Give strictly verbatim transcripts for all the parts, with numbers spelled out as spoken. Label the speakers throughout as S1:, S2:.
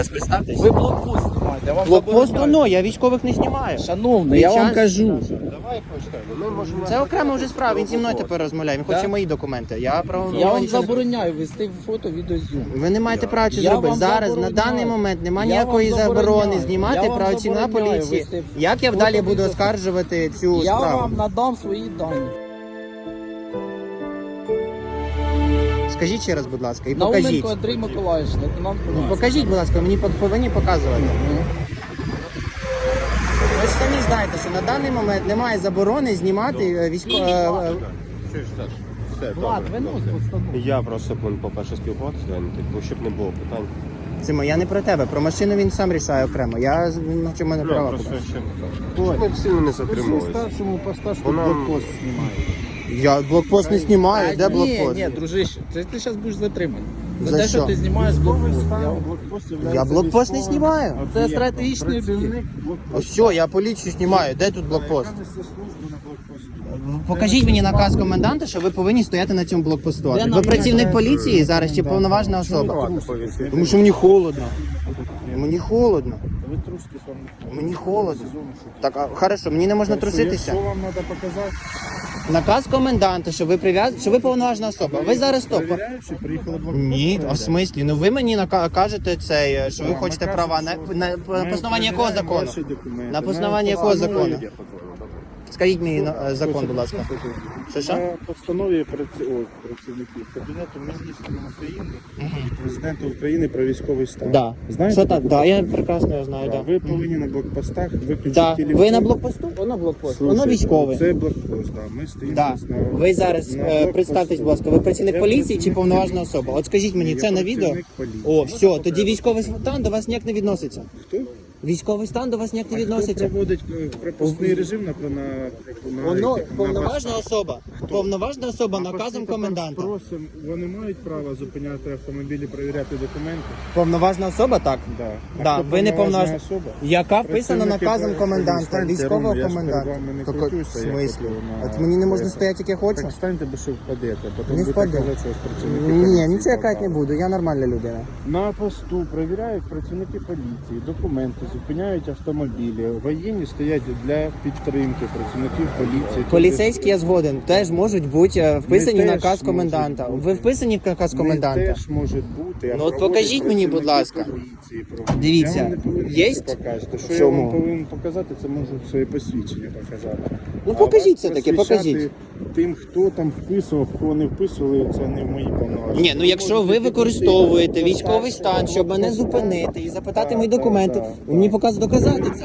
S1: Представтесь.
S2: Ви блокпост знімаєте, вам
S1: Блокпост,
S2: забороняють.
S1: ну, я військових не знімаю.
S2: Шановний,
S1: Під
S2: я вам
S1: час-
S2: кажу.
S3: Давай почнемо. Ми можемо...
S1: Це окрема вже справа, він зі мною тепер розмовляє, він хоче
S2: Да?
S1: мої документи. Я право
S2: Я вам
S1: нічого не-
S2: забороняю вести фото, відеозйомку.
S1: Ви не маєте права це
S2: Я
S1: зробити.
S2: вам
S1: Зараз, на
S2: забороняю.
S1: даний момент, немає
S2: Я
S1: ніякої
S2: вам
S1: заборони
S2: забороняю.
S1: знімати
S2: Я вам
S1: працівника
S2: забороняю
S1: поліції.
S2: вести
S1: Як я
S2: фото,
S1: далі буду
S2: відео.
S1: оскаржувати цю
S2: Я
S1: справу?
S2: вам надам свої дані.
S1: Скажіть ще раз, будь ласка, і покажіть.
S2: Науменко Андрій Миколаївич, лейтенант
S1: Ну,
S2: поліції.
S1: покажіть, будь ласка, мені пов- повинні показувати. Ви ж самі знаєте, що на даний момент немає заборони знімати військових.
S3: Що ж, Саш? Все,
S2: Влад,
S3: добре.
S2: винос постанову.
S3: Я просто, по-перше, спілкуватися, типу, щоб не було питань.
S1: Симо, я не про тебе, про машину він сам рішає окремо. Я на чому не права.
S3: Просто
S1: покажу.
S3: щоб... Щоб ми сильно не затримувалися.
S4: Старшому поста, що
S3: Вона-
S4: блокпост знімає.
S1: Я блокпост не знімаю, де
S2: Ні,
S1: блокпост?
S2: ні, дружище, це ти зараз будеш затриманий. За,
S1: За
S2: те, що
S1: що?
S2: ти знімаєш блокпост. Я...
S4: Блокпост
S1: Я блокпост не знімаю.
S2: Це стратегічний об'єкт.
S1: Ось все, я поліцію знімаю. Де тут блокпост? Покажіть мені наказ коменданта, що ви повинні стояти на цьому блокпосту.
S2: Де
S1: Ви
S2: нам
S1: працівник
S2: наказ?
S1: поліції зараз чи повноважна особа? Тому що мені холодно. Мені холодно.
S4: Ви трусите сам.
S1: Мені холодно. Так, а, хорошо, мені не можна труситися.
S4: Що вам треба показати?
S1: Наказ коменданта, що ви прив'яз... що ви повноважна особа. Ви зараз стоп.
S4: Перевіряючи, приїхали блокпост.
S1: Ні, а в смислі? Ну ви мені нака- кажете це, що ви
S4: Вам
S1: хочете
S4: накажуть,
S1: права на,
S4: що
S1: на,
S4: ми
S1: на основанні якого
S4: перевіряємо
S1: закону?
S4: ваші документи.
S1: На основанні якого закону? Скажіть мені
S4: Ну,
S1: е, закон, будь ласка. Що що?
S4: На постанові праці- о, працівників Кабінету міністрів України, Президента України про військовий стан.
S1: Да.
S4: Знаєте?
S1: Що так? Да, я прекрасно його знаю,
S4: Да,
S1: да.
S4: Ви повинні на блокпостах виключити
S1: Да.
S4: телефон.
S1: Ви на блокпосту? Воно блокпост. Воно
S4: Слушайте,
S1: військовий.
S4: Це блокпост, да. Ми стоїмо
S1: Да.
S4: на-
S1: Ви зараз
S4: на
S1: е,
S4: блокпосту.
S1: представтесь, будь ласка, ви працівник
S4: Я
S1: поліції чи
S4: працівник
S1: повноважна
S4: поліції.
S1: особа? От скажіть мені,
S4: Я
S1: це на відео?
S4: працівник поліції.
S1: О, все, тоді військовий стан до вас ніяк не відноситься.
S4: Хто?
S1: Військовий стан до вас ніяк не
S4: Хто
S1: відноситься.
S4: проводить е, пропускний режим на, на, на,
S1: Воно
S4: на
S1: повноважна особа. Повноважна особа
S4: А
S1: наказом
S4: постійно
S1: коменданта.
S4: Просимо, вони мають право зупиняти автомобілі, перевіряти документи?
S1: Повноважна особа, так.
S4: Да. А
S1: Да,
S4: хто
S1: ви не
S4: повноважна
S1: повноважна
S4: особа?
S1: Яка вписана
S4: Працівники
S1: наказом
S4: про-
S1: коменданта,
S4: Станьте
S1: військового
S4: ровно, я ж
S1: коменданта.
S4: перед вами не
S1: Так,
S4: крутюся,
S1: в
S4: як
S1: смислі?
S4: от на-
S1: От мені не можна
S4: це.
S1: стояти, як я хочу?
S4: Так станьте, бо що впадете, потім
S1: Не
S4: будете
S1: впаду.
S4: казати, що з працівники
S1: Ні,
S4: поліції
S1: нічого я казати не
S4: попали.
S1: буду, я нормальна людина.
S4: На посту перевіряють працівники поліції, документи, зупиняють автомобілі. Воєнні стоять для підтримки працівників поліції.
S1: Поліцейські, я згоден, теж можуть бути е, вписані в
S4: Не
S1: наказ
S4: теж
S1: коменданта.
S4: можуть
S1: Ви
S4: бути.
S1: вписані в наказ коменданта?
S4: Не теж може бути. а
S1: Ну, от
S4: проводять
S1: покажіть мені, будь
S4: працівники
S1: ласка.
S4: поліції, проводять.
S1: Дивіться,
S4: Я вам не повинен
S1: є?
S4: це показати. Що
S1: Чому?
S4: я вам повинен показати, це можу своє посвідчення показати.
S1: Ну
S4: А
S1: покажіть
S4: вас
S1: все-таки,
S4: просвіщати
S1: покажіть.
S4: Тим, хто там вписував, кого не вписували, це не в мої повноваження.
S1: Ні, ну якщо ви використовуєте військовий стан, щоб мене зупинити і запитати мої документи, ви мені показ доказати це.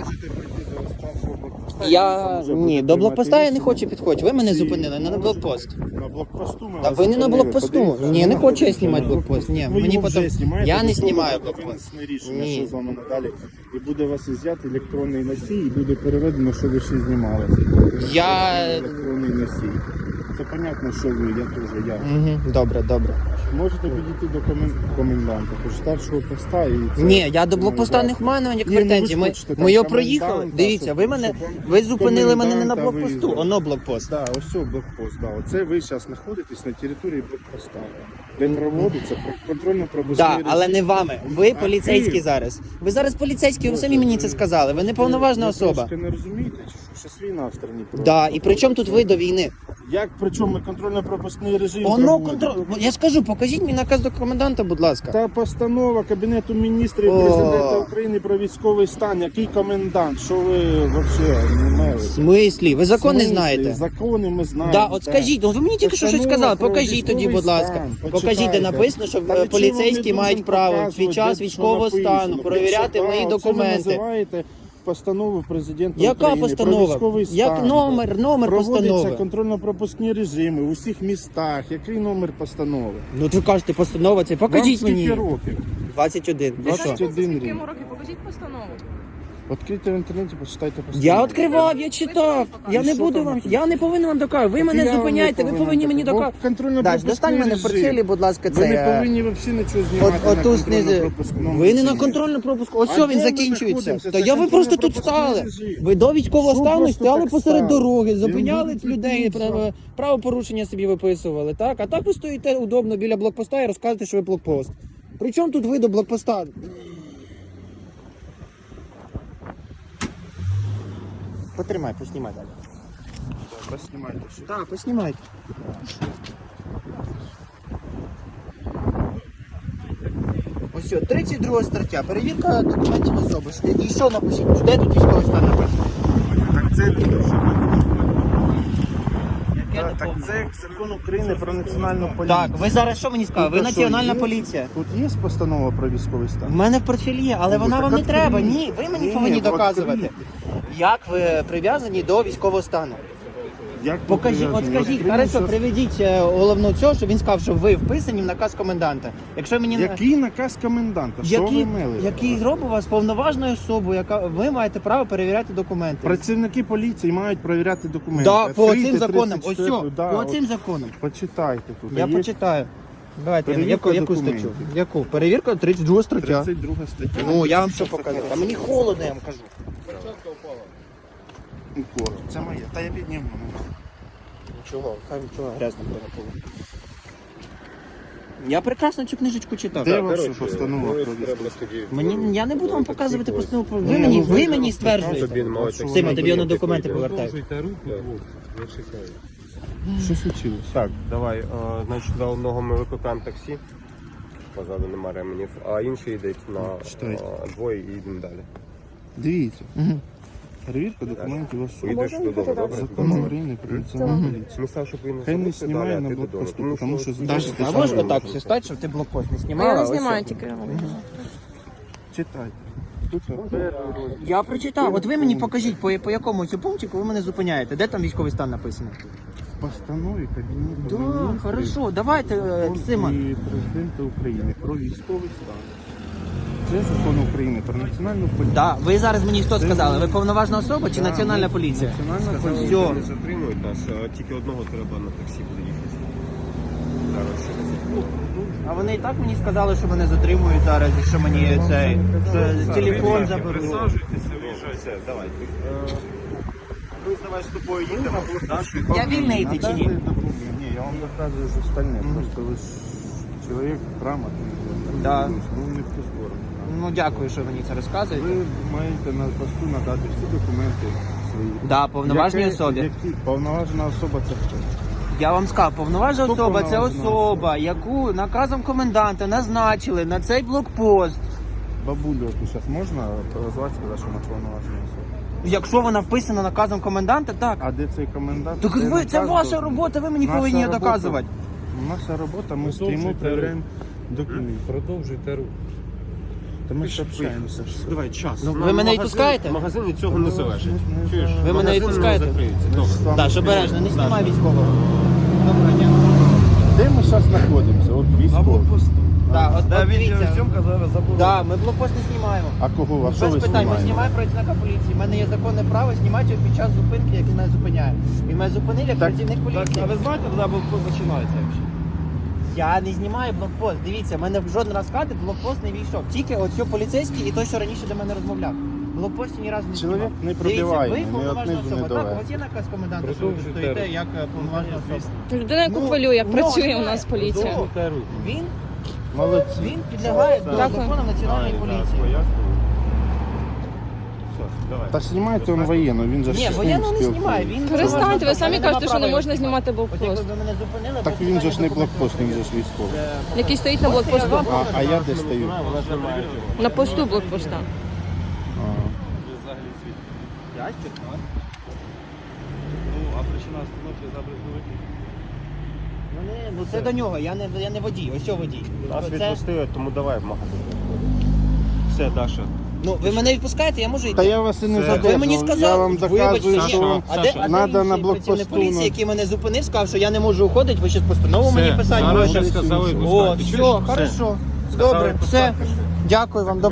S1: Я ні, до блокпоста я не хочу підходити. Ви мене зупинили, не на блокпост.
S4: На блокпосту ми
S1: Та
S4: вас
S1: ви не на
S4: зупинили.
S1: блокпосту.
S4: Подивіться,
S1: Ні, не
S4: на
S1: хочу я
S4: блокпосту,
S1: знімати
S4: на
S1: блокпост. Ні,
S4: Ви
S1: мені
S4: його
S1: потім.
S4: вже знімаєте,
S1: Я не
S4: до того
S1: знімаю
S4: буде
S1: блокпост.
S4: винесене рішення,
S1: Ні.
S4: що з вами надалі. І буде у вас ізяти електронний носій, і буде переведено, що ви ще знімали.
S1: Я.
S4: Електронний носій. Це понятно, що ви, я теж, я.
S1: Угу, добре, добре.
S4: Можете підійти до комен... коменданта, хоч старшого поста і це...
S1: Ні, я до
S4: ну,
S1: блокпоста
S4: да.
S1: не маю ніяких
S4: Ні, ну, ви
S1: претензій.
S4: ж
S1: Ми,
S4: хочете там
S1: ми його
S4: коменданта,
S1: проїхали. Дивіться, ви
S4: щоб-
S1: мене.
S4: щоб
S1: Ви зупинили мене не на
S4: коменданта
S1: блокпосту,
S4: виїздили.
S1: оно блокпост.
S4: Да, ось цього блокпост, да. Оце ви зараз знаходитесь на території блокпоста, де проводиться контрольно-пропускний
S1: Так,
S4: режим.
S1: але не вами. Ви
S4: А
S1: поліцейські
S4: ти?
S1: зараз. Ви зараз поліцейські, ви самі мені це сказали. Ви не повноважна
S4: Ви
S1: особа.
S4: трошки не розумієте, чи що? Щас війна в країні
S1: Так, да, і при чому тут ви до війни?
S4: Як при чому ми контрольно-пропускний режим
S1: Воно
S4: проводимо?
S1: контроль. Я ж кажу, покажіть мені наказ до коменданта, будь ласка.
S4: Та постанова Кабінету міністрів
S1: О.
S4: Президента України про військовий стан. Який комендант? Що ви взагалі не
S1: В
S4: маєте?
S1: смислі? Ви закон не
S4: В смислі?
S1: знаєте?
S4: Закони ми знаємо.
S1: Да, от
S4: так.
S1: скажіть, ну ви мені тільки що щось
S4: Постанова
S1: сказали.
S4: про
S1: Покажіть тоді,
S4: військовий
S1: будь ласка.
S4: стан.
S1: Покажіть, де
S4: Почитайте.
S1: написано, що
S4: Та
S1: е,
S4: нічого
S1: поліцейські
S4: не
S1: мають
S4: будемо
S1: право в
S4: показувати,
S1: свій час
S4: де
S1: військового
S4: що написано.
S1: стану перевіряти
S4: Почитайте.
S1: мої
S4: Оце ви
S1: документи.
S4: називаєте постанову президента
S1: Яка
S4: України про
S1: постанова?
S4: військовий стан.
S1: Як номер, номер
S4: Проводяться
S1: постанови?
S4: контрольно-пропускні режими в усіх містах. Який номер постанови?
S1: Ну ви кажете, постанова це. Покажіть
S4: Вам скільки
S1: мені.
S4: років?
S1: двадцять один. Ви що?
S4: двадцять один
S5: Скільки
S4: рік.
S5: йому років? Покажіть постанову.
S4: Відкрийте в інтернеті, почитайте постанову.
S1: Я відкривав, я читав. Я не
S4: що
S1: буду
S4: там
S1: вам.
S4: написано?
S1: Я не повинен вам доказувати. Ви
S4: Так
S1: мене
S4: я вам
S1: зупиняєте,
S4: не
S1: ви
S4: повинен
S1: повинні мені
S4: доказувати.
S1: доказувати.
S4: Бо контрольно-пропускний
S1: Даш, достань мене в
S4: режим.
S1: портфелі, будь ласка,
S4: Ви не
S1: це.
S4: повинні взагалі нічого
S1: От,
S4: знімати на
S1: отут знизу.
S4: контрольно-пропускному
S1: Ви не на
S4: режимі.
S1: контрольну пропуску. Ось
S4: А
S1: що
S4: де
S1: він
S4: ми
S1: закінчується.
S4: знаходимося?
S1: Та
S4: Це
S1: я ви просто тут
S4: контрольно-пропускний
S1: стали.
S4: режим.
S1: Ви до військового
S4: Що
S1: стану
S4: просто
S1: стояли
S4: так
S1: посеред
S4: стали?
S1: дороги,
S4: Я
S1: зупиняли
S4: буду
S1: людей,
S4: тут,
S1: право- правопорушення собі виписували. Так? А так ви стоїте удобно біля блокпоста і розказуєте, що ви блокпост. Причому тут ви до блокпоста? Потримай, поснімай далі.
S4: Поснімайте. що.
S1: Так, поснімайте. Ось що, тридцять друга стаття. Перевірка документів особи. І що напишіть? Де тут військовий стан написано?
S4: Так це,
S1: Яке
S4: так,
S1: доповнення?
S4: це закон України про національну поліцію.
S1: Так, ви зараз що мені сказали? Ви
S4: Тут що,
S1: національна
S4: є?
S1: поліція.
S4: Тут є постанова про військовий
S1: В
S4: стан?
S1: мене в портфелі є, але
S4: Ну,
S1: вона
S4: так
S1: вам не
S4: відкрийте.
S1: треба. Ні, ви мені
S4: Ні,
S1: повинні
S4: ні,
S1: доказувати.
S4: відкрийте.
S1: Як ви прив'язані до військового стану?
S4: Як ви
S1: Покажіть, от
S4: прив'язані?
S1: скажіть,
S4: Відкрийте
S1: хорошо,
S4: щас.
S1: приведіть е, головну цього, щоб він сказав, що ви вписані в наказ коменданта. Якщо мені не-
S4: Який наказ коменданта? Що
S1: який,
S4: ви мели?
S1: який робить вас повноважною особою, яка ви маєте право перевіряти документи.
S4: Працівники поліції мають перевіряти документи.
S1: Да, по
S4: Відкрийте
S1: цим законам. Ось
S4: тридцять
S1: все,
S4: четверту, да,
S1: по
S4: от
S1: цим законам.
S4: Почитайте тут.
S1: Я
S4: Є
S1: почитаю. Давайте, я,
S4: Перевірка
S1: яку, яку
S4: документів.
S1: статтю? Яку? Перевірка тридцять друга стаття.
S4: тридцять друга стаття.
S1: Ну, я вам що покажу. А мені холодно, я вам кажу.
S4: Укор. Це моє. Та я підніму.
S1: Нічого, хай нічого грязно було. Я прекрасно цю книжечку читав.
S4: Де
S1: Так.
S4: ваша
S3: Коротше,
S4: постанова
S3: ну,
S4: про
S3: треба
S4: військовий?
S3: тоді-
S1: Мені я не буду вам показувати
S3: Ось.
S1: постанову. про- Ви
S4: Ні,
S1: мені,
S4: ну,
S1: ви
S4: ви
S1: мені
S4: просто
S1: стверджуєте.
S3: Тобі мали так
S1: Сима, тобі на
S3: само
S1: документи
S3: йти.
S1: повертають.
S5: руку, я чекаю.
S4: Що случилось?
S3: Так, давай, е, значить, за одного ми викликаємо таксі, позаду нема ременів, а інший йдуть на
S4: Читайте.
S3: е, двоє і йдемо далі.
S4: Дивіться.
S1: Мгм.
S4: Перевірка документів особи.
S3: Поїдеш додому, добре?
S4: Закон України про національну поліцію.
S3: Ми сказали, щоб ви не
S4: Хай не
S3: залишили
S4: знімає
S3: далі, а
S4: на
S3: ти
S4: блокпосту,
S3: додому.
S4: тому що
S3: ну,
S4: значить,
S1: А
S4: що
S1: можеш
S4: ви
S1: отак
S4: робите?
S1: все стати, щоб ти блокпост не
S6: А
S1: знімала?
S6: я не
S1: Ось
S6: знімаю
S1: все.
S6: тільки.
S4: Читайте. Тут перший розділ.
S1: Я прочитав. От ви мені покажіть, по, по якому цю пунктику ви мене зупиняєте. Де там військовий стан написано?
S4: В постанові Кабінету
S1: Да,
S4: Міністрів
S1: хорошо, давайте, е, Сима.
S4: і Президента України про військовий стан. Це закон України про національну поліцію.
S1: Да, ви зараз мені що сказали? Ви повноважна особа чи
S4: Да,
S1: національна
S4: ми-
S1: поліція?
S4: Національна
S3: Сказали,
S4: поліція.
S1: Всьо.
S3: що не затримують нас, а тільки одного треба на таксі буде їхати. Зараз ще раз.
S1: А вони і так мені сказали, що мене затримують зараз, і що мені цей що телефон заберуть.
S3: Все, давай. Ми давай з тобою їдемо.
S1: Я вільний йти чи ні?
S4: Надайте документи. Ні, я вам доказую ж остальне. Просто ви ж чоловік грамотний.
S1: Да.
S4: Ну, не в ту сторону.
S1: Ну дякую, що мені це розказуєте.
S4: Ви маєте на посту надати всі документи свої.
S1: Да, повноважній
S4: Яке-
S1: особі.
S4: Які повноважена особа це хто?
S1: Я вам сказав, повноважна
S4: Хто
S1: особа це
S4: повноважена
S1: особа, яку наказом коменданта назначили на цей блокпост.
S4: Бабулю, яку зараз можна позвати, сказати, що вона повноважена особа?
S1: Якщо вона вписана наказом коменданта, так.
S4: А де цей комендант?
S1: Так
S4: Де
S1: ви, це
S4: наказ
S1: ваша
S4: должен?
S1: робота, ви мені
S4: Наша
S1: повинні
S4: робота-
S1: доказувати.
S4: Наша робота, ми
S5: Продовжуйте
S4: стоїмо,
S5: рух.
S4: перевіряємо документи.
S5: Продовжуйте рух.
S4: Та ми ж общаємося.
S3: Давай, час.
S1: Ну,
S3: Нам
S1: ви мене
S3: магазин-
S1: відпускаєте?
S3: Магазин від цього не залежить.
S4: Не
S3: Чуєш?
S4: знаю.
S1: Ви мене
S3: Магазин не
S1: відпускаєте?
S3: закриється.
S4: Ми ж
S3: Добре.
S4: саме-
S1: Так, що обережно, не знімай військового. Доброго дня.
S4: Де ми зараз знаходимося? От військово.
S1: Так, от, от дивіться.
S5: зараз забув.
S1: Да, ми блокпост не знімаємо.
S4: А кого? А що ви
S1: Без питань, ми
S4: знімаєте?
S1: знімаємо працівника поліції. У мене є законне право знімати його під час зупинки, який мене зупиняє. Він мене зупинив як
S4: Так,
S1: працівник поліції.
S5: А ви знаєте, куди блокпост починається взагалі?
S1: Я не знімаю блокпост. Дивіться, в мене в жоден раз хати блокпост не війшов. Тільки оцю поліцейський і той, що раніше до мене розмовляв. Блокпості ні разу не знімав.
S4: Чоловік не
S1: Дивіться,
S4: пробиває,
S1: ви
S4: ні
S1: повноважна
S4: однизу, ні
S1: особа. Так,
S4: доверху.
S1: от є наказ коменданта, що ви
S5: Продовжуйте
S1: стоїте
S5: рух.
S1: як е, повноважна особа.
S6: Людина, яку
S1: Ну,
S6: хвилює, як
S1: ну,
S6: працює у
S1: немає.
S6: нас поліція.
S5: Продовжуйте рух.
S1: Він,
S4: Молодці.
S1: він підлягає до
S6: Дякую.
S1: закону національної поліції.
S3: Давай.
S4: Та знімайте он воєнну, він же ж
S1: Ні,
S4: з ним
S1: воєнно не
S4: спілкується.
S1: знімає. Він
S6: Перестаньте, ви самі
S1: Мене
S6: кажете,
S1: нема
S6: що не
S1: права
S6: можна
S1: його
S6: знімати
S1: От якби
S6: блокпост.
S1: ви мене зупинили,
S4: Так
S1: без
S4: він же ж не
S1: питань
S4: блокпост, він же ж
S1: документів.
S4: військовий.
S1: Е,
S6: Який стоїть на блокпосту.
S4: А, а я де стою?
S3: Вона ж не має цього.
S6: На посту блокпоста.
S4: А.
S5: Взагалі світ.
S1: Ящик, так.
S5: Ну, а причина остановки забрезновики.
S1: Ну, не, ну це до нього, я не, я не водій, ось цього водій.
S3: Нас
S1: Це-
S3: відпустили, тому давай в магазин. Все, Даша.
S1: Ну, ви мене відпускаєте, я можу йти.
S4: Та я вас і не
S3: Це-
S4: задержав.
S1: Ви мені сказали,
S4: Я вам
S1: вибачте,
S4: доказую,
S1: ні.
S4: що вам
S1: а де, а де
S4: надо
S1: інший
S4: на
S1: працівник
S4: блокпосту.
S1: поліції,
S4: на-
S1: який мене зупинив, сказав, що я не можу уходити, ви зараз постанову мені писати
S3: зараз
S1: будете.
S3: ще сказали
S1: О,
S3: випускати.
S1: все,
S3: Чуєш?
S1: хорошо.
S3: Сказали
S1: Добре, все.
S3: випускати.
S1: Дякую вам.